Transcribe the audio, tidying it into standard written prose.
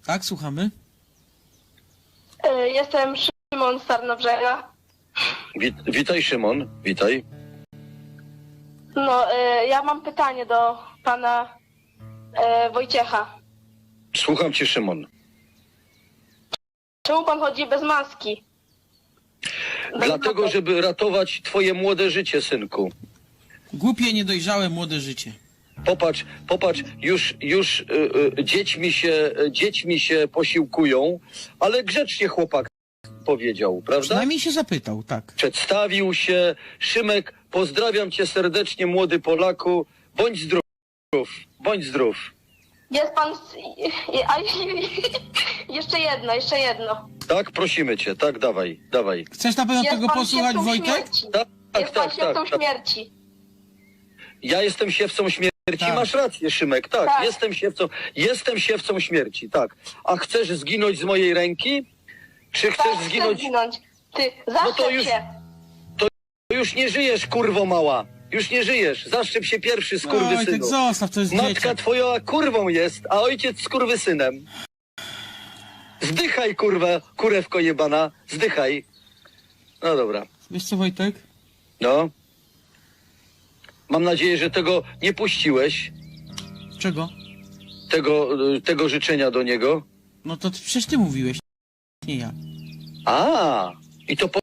Tak, słuchamy. Jestem Szymon z Tarnobrzega. Witaj, Szymon, witaj. No, ja mam pytanie do pana Wojciecha. Słucham cię, Szymon. Czemu pan chodzi bez maski? Dlatego, żeby ratować twoje młode życie, synku. Głupie, niedojrzałe, młode życie. Popatrz, już dziećmi się posiłkują, ale grzecznie chłopak powiedział, prawda? Przynajmniej się zapytał, tak. Przedstawił się. Szymek, pozdrawiam cię serdecznie, młody Polaku. Bądź zdrów, bądź zdrów. Jest pan... Jeszcze jedno. Tak, prosimy cię, tak, dawaj. Chcesz na pewno Jest tego pan posłuchać, siewcą Wojtek? śmierci. Tak, Jest pan siewcą tak. śmierci. Ja jestem siewcą śmierci, Tak. masz rację, Szymek, tak, Tak. jestem siewcą śmierci, tak. A chcesz zginąć z mojej ręki? Czy chcesz Tak, zginąć? chcę zginąć. Ty, No zaszczep to już- się. Już nie żyjesz, kurwo mała. Już nie żyjesz. Zaszczep się pierwszy, Wojtek, skurwysynu. zostaw, to jest Matka dzieciak. twoja kurwą jest, a ojciec skurwysynem. Zdychaj, kurwa, kurewko jebana. Zdychaj. No dobra. Wiesz co, Wojtek? No. Mam nadzieję, że tego nie puściłeś. Czego? Tego życzenia do niego. No to przecież ty mówiłeś, nie ja. A, i to